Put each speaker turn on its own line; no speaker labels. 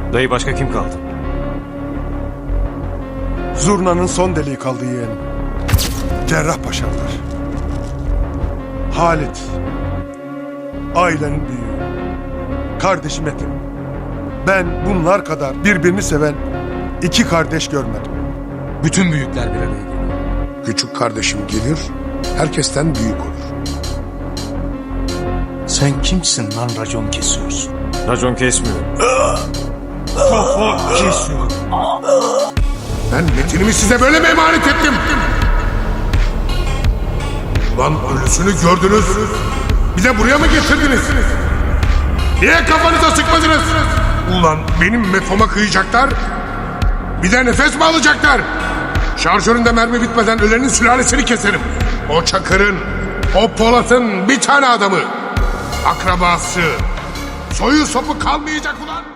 Dayı başka kim kaldı?
Zurnanın son deliği kaldı yeğenim. Cerrahpaşalılar. Halit. Ailenin büyüğü. Kardeşim Ethem. Ben bunlar kadar birbirini seven iki kardeş görmedim.
Bütün büyükler bir araya geliyor.
Küçük kardeşim gelir, herkesten büyük olur.
Sen kimsin lan racon kesiyorsun?
Racon kesmiyor.
Kafa kesiyor.
Ben Metin'imi size böyle mi emanet ettim? Ulan ölüsünü gördünüz. Bir de buraya mı getirdiniz? Niye kafanıza sıkmadınız? Ulan benim metoma kıyacaklar. Bir de nefes mi alacaklar? Şarjöründe mermi bitmeden ölenin sülalesini keserim. O Çakır'ın, o Polat'ın bir tane adamı. Akrabası. Soyu sopu kalmayacak ulan.